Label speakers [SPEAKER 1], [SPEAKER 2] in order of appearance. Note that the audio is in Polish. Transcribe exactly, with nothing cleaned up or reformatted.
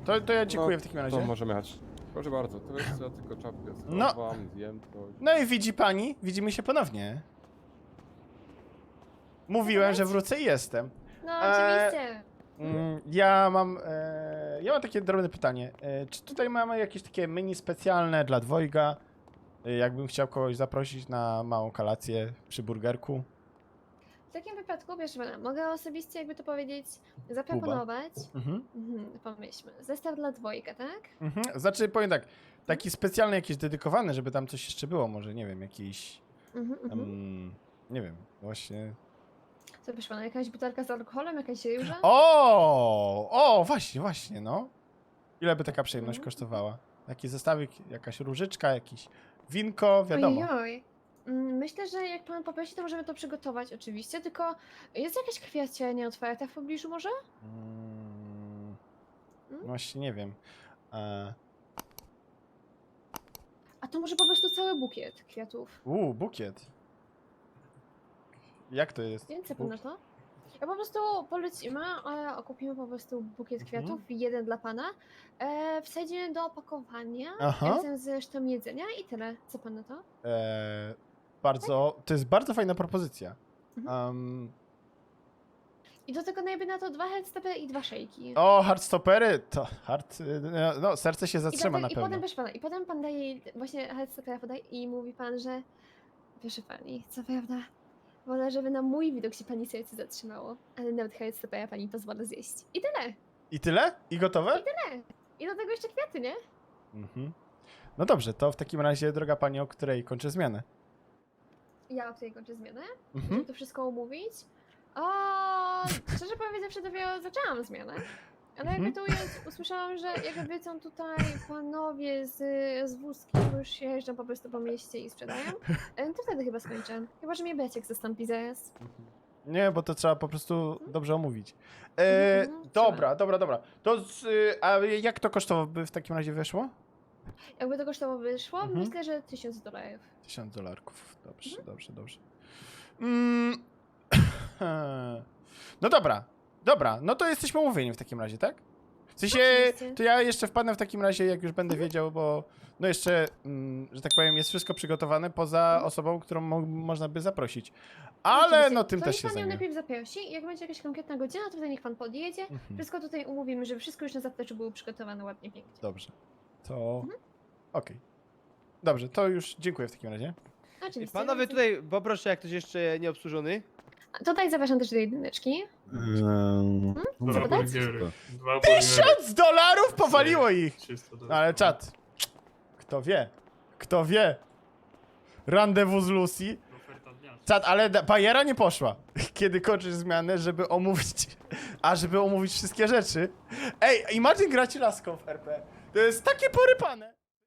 [SPEAKER 1] To, to ja dziękuję
[SPEAKER 2] No,
[SPEAKER 1] w takim razie.
[SPEAKER 2] To możemy jechać. Proszę bardzo, to jest ja tylko czapkę
[SPEAKER 1] No.
[SPEAKER 2] schowam, zjem to.
[SPEAKER 1] No i widzi pani, widzimy się ponownie. Mówiłem, że wrócę i jestem.
[SPEAKER 3] No
[SPEAKER 1] Eee,
[SPEAKER 3] oczywiście.
[SPEAKER 1] Mm, Ja mam, e, ja mam takie drobne pytanie. E, czy tutaj mamy jakieś takie menu specjalne dla dwojga? E, jakbym chciał kogoś zaprosić na małą kolację przy burgerku.
[SPEAKER 3] W takim wypadku, wiesz, pana, mogę osobiście, jakby to powiedzieć, zaproponować.
[SPEAKER 1] Mhm.
[SPEAKER 3] Mhm, pomyślmy. Zestaw dla dwojga, tak?
[SPEAKER 1] Mhm. Znaczy, powiem tak, taki specjalny, jakiś dedykowany, żeby tam coś jeszcze było, może, nie wiem, jakiś,
[SPEAKER 3] Mhm, mhm.
[SPEAKER 1] um, nie wiem, właśnie...
[SPEAKER 3] Co wiesz pana, jakaś butelka z alkoholem, jakaś ryża?
[SPEAKER 1] O, o, właśnie, właśnie, no. Ile by taka przyjemność
[SPEAKER 3] Mhm.
[SPEAKER 1] kosztowała? Jakiś zestawik, jakaś różyczka, jakiś winko, wiadomo.
[SPEAKER 3] Ojoj. Mm, Myślę, że jak pan poprosi, to możemy to przygotować oczywiście, tylko jest jakaś kwestia nieotwarta w pobliżu może?
[SPEAKER 1] Mm,
[SPEAKER 3] Mm?
[SPEAKER 1] właśnie nie wiem. E,
[SPEAKER 3] A to może po prostu cały bukiet kwiatów.
[SPEAKER 1] Uuu, bukiet. Jak to jest?
[SPEAKER 3] Więc co pan na
[SPEAKER 1] Bukiet.
[SPEAKER 3] to? Ja po prostu polecimy, e, okupimy po prostu bukiet
[SPEAKER 1] Mhm.
[SPEAKER 3] kwiatów, jeden dla pana. E, wsadzimy do opakowania
[SPEAKER 1] Aha.
[SPEAKER 3] razem z resztą jedzenia i tyle. Co pan na to?
[SPEAKER 1] E, bardzo, to jest bardzo fajna propozycja.
[SPEAKER 3] Mhm.
[SPEAKER 1] Um,
[SPEAKER 3] I do tego najlepiej na to dwa headstepy i dwa szejki.
[SPEAKER 1] o, hardstopery, to hard, y, no serce się
[SPEAKER 3] I,
[SPEAKER 1] zatrzyma
[SPEAKER 3] do
[SPEAKER 1] na
[SPEAKER 3] te, I
[SPEAKER 1] pewno.
[SPEAKER 3] potem, proszę pana, i potem pan daje właśnie headstepera podaje i mówi pan, że proszę pani, co prawda, wolę, żeby na mój widok się pani serce zatrzymało, ale nawet headstepera pani pozwala zjeść. I tyle.
[SPEAKER 1] I tyle? I gotowe?
[SPEAKER 3] I do tego jeszcze kwiaty, nie?
[SPEAKER 1] Mhm. No dobrze, to w takim razie, droga pani, o której kończę zmianę?
[SPEAKER 3] Ja tutaj kończę zmianę,
[SPEAKER 1] Mhm.
[SPEAKER 3] żeby to wszystko umówić. O, szczerze powiedziawszy, dopiero zaczęłam zmianę. Ale
[SPEAKER 1] Mhm.
[SPEAKER 3] jakby tu jest, usłyszałam, że jakby są tutaj panowie z, z wózkiem, już jeżdżą po prostu po mieście i sprzedają, e, to wtedy chyba skończę. Chyba, że mnie Beciek zastąpi zaraz.
[SPEAKER 1] Nie, bo to trzeba po prostu dobrze omówić. E,
[SPEAKER 3] Mhm, mhm,
[SPEAKER 1] dobra, dobra, dobra. To z, y, a jak to kosztowo w takim razie wyszło?
[SPEAKER 3] Jakby to kosztowo wyszło,
[SPEAKER 1] Mhm.
[SPEAKER 3] myślę, że tysiąc dolarów.
[SPEAKER 1] Tysiąc dolarków. Dobrze,
[SPEAKER 3] Mhm.
[SPEAKER 1] dobrze, dobrze. Mm. No dobra, dobra, no to jesteśmy umówieni w takim razie, tak? W sensie,
[SPEAKER 3] Oczywiście.
[SPEAKER 1] to ja jeszcze wpadnę w takim razie, jak już będę wiedział, bo no jeszcze, mm, że tak powiem, jest wszystko przygotowane poza
[SPEAKER 3] Mhm.
[SPEAKER 1] osobą, którą mo można by zaprosić. Ale
[SPEAKER 3] Oczywiście.
[SPEAKER 1] no tym
[SPEAKER 3] to
[SPEAKER 1] też
[SPEAKER 3] niech
[SPEAKER 1] się
[SPEAKER 3] pan ją
[SPEAKER 1] zajmie.
[SPEAKER 3] najpierw zaprosi, jak będzie jakaś konkretna godzina, to wtedy niech pan podjedzie.
[SPEAKER 1] Mhm.
[SPEAKER 3] Wszystko tutaj umówimy, żeby wszystko już na zapleczu było przygotowane ładnie, pięknie.
[SPEAKER 1] Dobrze, to
[SPEAKER 3] Mhm.
[SPEAKER 1] okej. Dobrze, to już dziękuję w takim razie.
[SPEAKER 3] Oczywiście.
[SPEAKER 4] Panowie
[SPEAKER 3] więc-
[SPEAKER 4] tutaj, poproszę, jak ktoś jeszcze nie obsłużony.
[SPEAKER 3] A Tutaj zapraszam też do jedyneczki.
[SPEAKER 5] Dwa
[SPEAKER 3] Zapytać?
[SPEAKER 5] burgery. Dwa burgery.
[SPEAKER 1] Tysiąc dolarów powaliło ich!
[SPEAKER 5] trzysta
[SPEAKER 1] No ale czat, kto wie, kto wie. Rendezvous z Lucy.
[SPEAKER 5] Oferta dnia.
[SPEAKER 1] Czat, ale da- bajera nie poszła, kiedy kończysz zmianę, żeby omówić, a żeby omówić wszystkie rzeczy. Ej, Imagine gracie laską w R P. To jest takie porypane.